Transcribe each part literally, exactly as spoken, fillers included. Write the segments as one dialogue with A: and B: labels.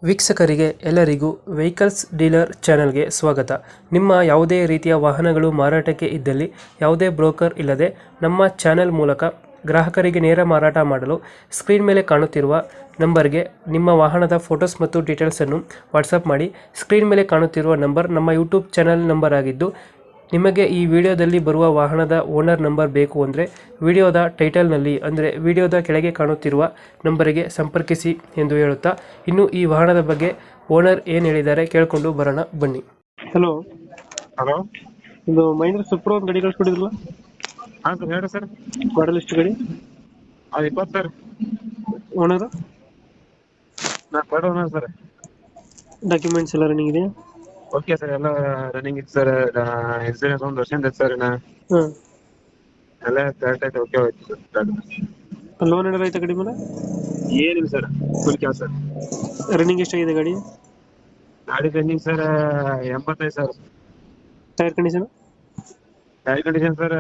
A: ವೀಕ್ಷಕರಿಗೆ ಎಲ್ಲರಿಗೂ vehicles dealer ಚಾನೆಲ್ಗೆ ಸ್ವಾಗತ. ನಿಮ್ಮ ಯಾವುದೇ ರೀತಿಯ ವಾಹನಗಳು ಮಾರಾಟಕ್ಕೆ ಇದ್ದಲ್ಲಿ ಯಾವುದೇ ಬ್ರೋಕರ್ ಇಲ್ಲದೆ ನಮ್ಮ ಚಾನೆಲ್ ಮೂಲಕ ಗ್ರಾಹಕರಿಗೆ ನೇರ ಮಾರಾಟ ಮಾಡಲು ಸ್ಕ್ರೀನ್ ಮೇಲೆ ಕಾಣುತ್ತಿರುವ ನಂಬರ್ಗೆ ನಿಮ್ಮ ವಾಹನದ ಫೋಟೋಸ್ ಮತ್ತು ಡೀಟೇಲ್ಸನ್ನು ವಾಟ್ಸಪ್ ಮಾಡಿ. ಸ್ಕ್ರೀನ್ ಮೇಲೆ ಕಾಣುತ್ತಿರುವ ನಂಬರ್ ನಮ್ಮ ಯೂಟ್ಯೂಬ್ ಚಾನೆಲ್ ನಂಬರ್ ಆಗಿದ್ದು, ನಿಮಗೆ ಈ ವಿಡಿಯೋದಲ್ಲಿ ಬರುವ ವಾಹನದ ಓನರ್ ನಂಬರ್ ಬೇಕು ಅಂದರೆ ವಿಡಿಯೋದ ಟೈಟಲ್ನಲ್ಲಿ ಅಂದರೆ ವಿಡಿಯೋದ ಕೆಳಗೆ ಕಾಣುತ್ತಿರುವ ನಂಬರಿಗೆ ಸಂಪರ್ಕಿಸಿ ಎಂದು ಹೇಳುತ್ತಾ, ಇನ್ನು ಈ ವಾಹನದ ಬಗ್ಗೆ ಓನರ್ ಏನು ಹೇಳಿದ್ದಾರೆ ಕೇಳಿಕೊಂಡು ಬರೋಣ ಬನ್ನಿ. ಹಲೋ
B: ಹಲೋ,
A: ಇದು ಮಹೇಂದ್ರ ಸುಪ್ರೋ ಒಂದು ಗಾಡಿ ಕಳಿಸ್ಕೊಟ್ಟಿದ್ರಲ್ಲ,
B: ಹಾಂ ಸರ್ ಹೇಳಿ ಸರ್.
A: ಮಾಡಲ್ ಎಷ್ಟು ಗಾಡಿ?
B: ಅದು ಇಪ್ಪತ್ತು ಸರ್.
A: ಓನರ್
B: ನಾ ಕೊಡೋಣ ಸರ್.
A: ಡಾಕ್ಯುಮೆಂಟ್ಸ್ ಎಲ್ಲ ರನ್ನಿಂಗ್ ಇದೆಯಾ?
B: ಓಕೆ ಸರ್, ಎಲ್ಲ ರನ್ನಿಂಗ್ ಇತ್ತು ಸರ್. ಇನ್ಸೂರೆನ್ಸ್ ಒಂದು ವರ್ಷ ಇದೆ ಸರ್. ಇನ್ನು
A: ಹಾಂ,
B: ಎಲ್ಲ ಕರೆಕ್ಟ್ ಆಯ್ತು, ಓಕೆ ಹೋಯ್ತು ಸರ್.
A: ಲೋನ್ ಏನಾರ ಆಯ್ತಾ ಗಾಡಿ ಮೇಲೆ?
B: ಏನಿಲ್ಲ sir, full cash sir.
A: Running ಎಷ್ಟಾಗಿದೆ ಗಾಡಿ?
B: ಗಾಡಿ ರನ್ನಿಂಗ್ ಸರ್ ಎಂಬತ್ತೈದು sir.
A: Tyre condition?
B: Tyre condition sir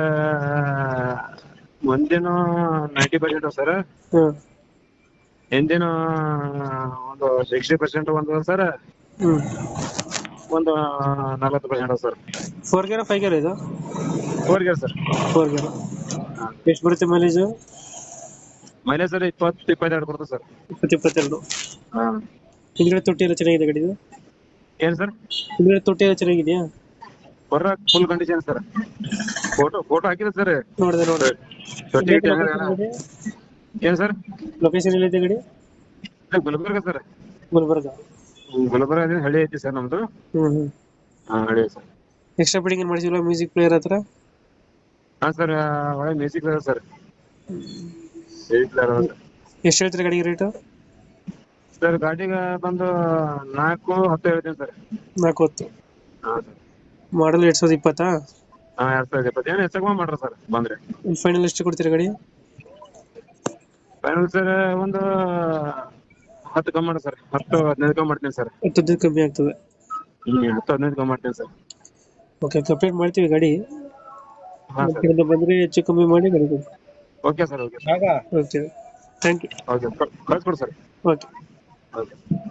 B: ಮುಂದೇನು ನೈಂಟಿ ಪರ್ಸೆಂಟ್ ಸರ್.
A: ಹಾಂ,
B: ಹಿಂದೇನು ಒಂದು ಸಿಕ್ಸ್ಟಿ ಪರ್ಸೆಂಟ್ ಒಂದು ಸರ್,
A: ಹ್ಞೂ.
B: ಒಂದು ನಲವತ್ತು percent sir.
A: Four gear five gear ಇದು?
B: Four gear sir.
A: Four gear. ಎಷ್ಟು ಬರುತ್ತೆ ಮೈಲೇಜು?
B: ಮೈಲೇಜ್ ಸರ್ ಇಪ್ಪತ್ತು ಇಪ್ಪತ್ತೆರಡು ಬರುತ್ತೆ ಸರ್.
A: ಇಪ್ಪತ್ತು ಇಪ್ಪತ್ತೆರಡು.
B: ಹಾಂ,
A: ಹಿಂದ್ಗಡೆ ತೊಟ್ಟಿ ಎಲ್ಲ ಚೆನ್ನಾಗಿದೆ ಗಾಡಿದು?
B: ಏನು ಸರ್?
A: ಹಿಂದ್ಗಡೆ ತೊಟ್ಟಿ ಎಲ್ಲ ಚೆನ್ನಾಗಿದೆಯಾ?
B: ಬರ full condition sir. Photo photo ಹಾಕಿದೆ ಸರ್.
A: ನೋಡಿದೆ ನೋಡಿದೆ.
B: ತೊಟ್ಟಿ ಗಿಟ್ಟಿ ಏನು ಸರ್?
A: ಲೊಕೇಶನ್ ಎಲ್ಲಿದೆ ಗಾಡಿ?
B: ಗುಲ್ಬರ್ಗ ಸರ್.
A: ಗುಲ್ಬರ್ಗ.
B: ಗುಲ್ಬರ್ಗ ಹಳ್ಳಿ ಐತಿ ಸರ್ ನಮ್ದು.
A: ಹ್ಞೂ ಹ್ಞೂ.
B: ಹಾಂ, ಹಳ್ಳಿ ಸರ್.
A: ಎಕ್ಸ್ಟ್ರಾ ಫಿಟ್ಟಿಂಗ್ ಏನು ಮಾಡಿಸಿಲ್ಲ? ಮ್ಯೂಸಿಕ್ ಪ್ಲೇಯರ್ ಹತ್ರ?
B: ಹಾಂ ಸರ್, ಒಳ್ಳೆ music player sir. Music player
A: ಎಷ್ಟು ಹೇಳ್ತೀರಿ ಗಾಡಿಗೆ ರೇಟು?
B: ಸರ್ ಗಾಡಿಗೆ ಬಂದು ನಾಲ್ಕು ಹತ್ತು ಹೇಳ್ತೀನಿ ಸರ್.
A: ನಾಲ್ಕು ಹೊತ್ತು.
B: ಹಾಂ ಸರ್.
A: ಮಾಡಲ್ ಎರಡು ಸಾವಿರದ ಇಪ್ಪತ್ತಾ?
B: ಹಾಂ, ಎರಡು ಸಾವಿರದ ಇಪ್ಪತ್ತು. ಏನು ಹೆಚ್ಚಾಗ ಮಾಡ್ರಿ ಸರ್ ಬಂದರೆ.
A: ಫೈನಲ್ ಎಷ್ಟು ಕೊಡ್ತೀರಾ ಗಾಡಿ?
B: ಫೈನಲ್ ಸರ್ ಒಂದು ಹತ್ತು ಕಮ್ಮಿ ಮಾಡಿ ಸರ್. ಹತ್ತು ಹದಿನೈದು ಕಮ್ಮಿ ಮಾಡ್ತೀನಿ ಸರ್.
A: ಹತ್ತು ಹದಿನೈದು ಕಮ್ಮಿ ಆಗ್ತದೆ.
B: ಹ್ಞೂ, ಹತ್ತು ಹದಿನೈದು ಕಮ್ಮಿ ಮಾಡ್ತೀನಿ ಸರ್.
A: ಓಕೆ, ಕಂಪ್ಲೀಟ್ ಮಾಡ್ತೀವಿ ಗಾಡಿ.
B: ಹಾಂ ಸರ್.
A: ಬಂದರೆ ಹೆಚ್ಚು ಕಮ್ಮಿ ಮಾಡಿ ಗಾಡಿ ಕೊಡಿ.
B: Okay sir. Okay
A: okay, thank you.
B: Okay, ಕಳಿಸ್ಕೊಡಿ ಸರ್.
A: ಓಕೆ.
B: ಓಕೆ.